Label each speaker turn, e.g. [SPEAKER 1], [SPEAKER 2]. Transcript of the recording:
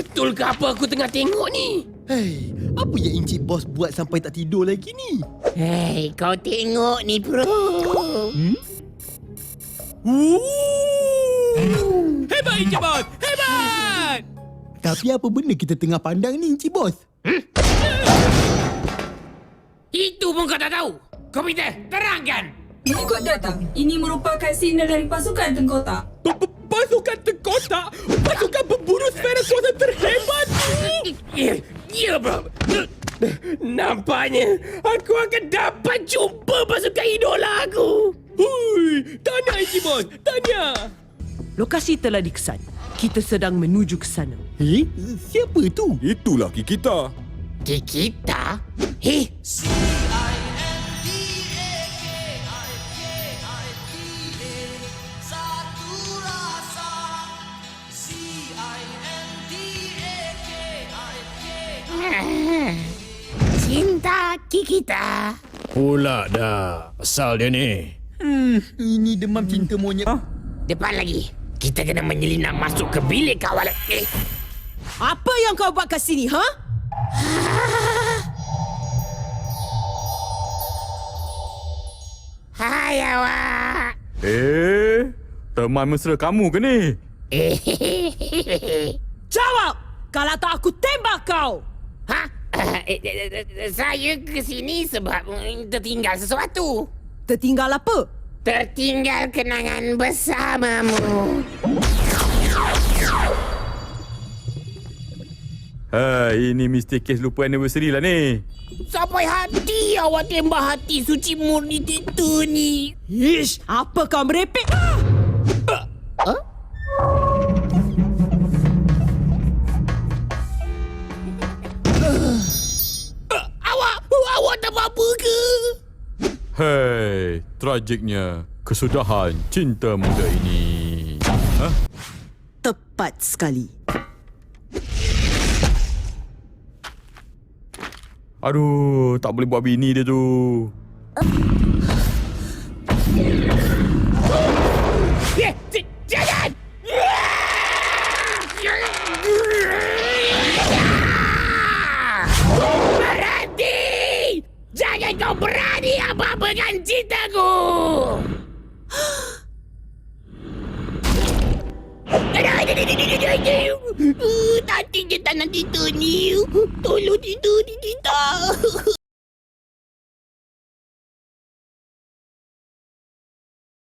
[SPEAKER 1] Betul ke apa aku tengah tengok ni?
[SPEAKER 2] Hei, apa yang Encik Bos buat sampai tak tidur lagi ni?
[SPEAKER 3] Hei, kau tengok ni, bro.
[SPEAKER 1] Hebat Encik Bos! Hebat!
[SPEAKER 2] Tapi apa benda kita tengah pandang ni, Encik Bos?
[SPEAKER 1] Itu pun kau tak tahu. Komputer, terangkan!
[SPEAKER 4] Mengikut data, ini merupakan signal dari pasukan tengkotak.
[SPEAKER 1] Pasukan tengkotak? Pasukan pemburu sfera kuasa terhebat ni? Ya, bro. Nampaknya aku akan dapat jumpa pasukan idola aku. Hui, tahniah Encik Bos, tahniah.
[SPEAKER 5] Lokasi telah dikesan. Kita sedang menuju ke sana.
[SPEAKER 2] Siapa tu?
[SPEAKER 6] Itulah kita.
[SPEAKER 3] Kita? Hei, cinta kita.
[SPEAKER 6] Pula dah. Asal dia ni.
[SPEAKER 2] Ini demam cinta monyet.
[SPEAKER 3] Depan lagi. Kita kena menyelinap masuk ke bilik kawalan.
[SPEAKER 5] Apa yang kau buat kat sini, ha?
[SPEAKER 3] Hai awak.
[SPEAKER 6] Teman mesra kamu ke ni?
[SPEAKER 5] Jawab! Kalau tak aku tembak kau!
[SPEAKER 3] Ha? Saya ke sini sebab tertinggal sesuatu.
[SPEAKER 5] Tertinggal apa?
[SPEAKER 3] Tertinggal kenangan bersamamu.
[SPEAKER 6] Ini mesti kes lupa anniversary lah ni.
[SPEAKER 3] Sampai hati awak tembak hati suci murni itu ni.
[SPEAKER 5] Ish, apa kau merepek?
[SPEAKER 3] Awak tak apa-apa ke?
[SPEAKER 6] Hei, tragiknya kesudahan cinta muda ini.
[SPEAKER 5] Tepat sekali.
[SPEAKER 6] Aduh, tak boleh buat bini dia tu.
[SPEAKER 3] Jangan! Berhenti! Jangan kau berani apa-apa dengan cintaku! Nanti je tak nak tidur ni. Tolong tidur ni kita.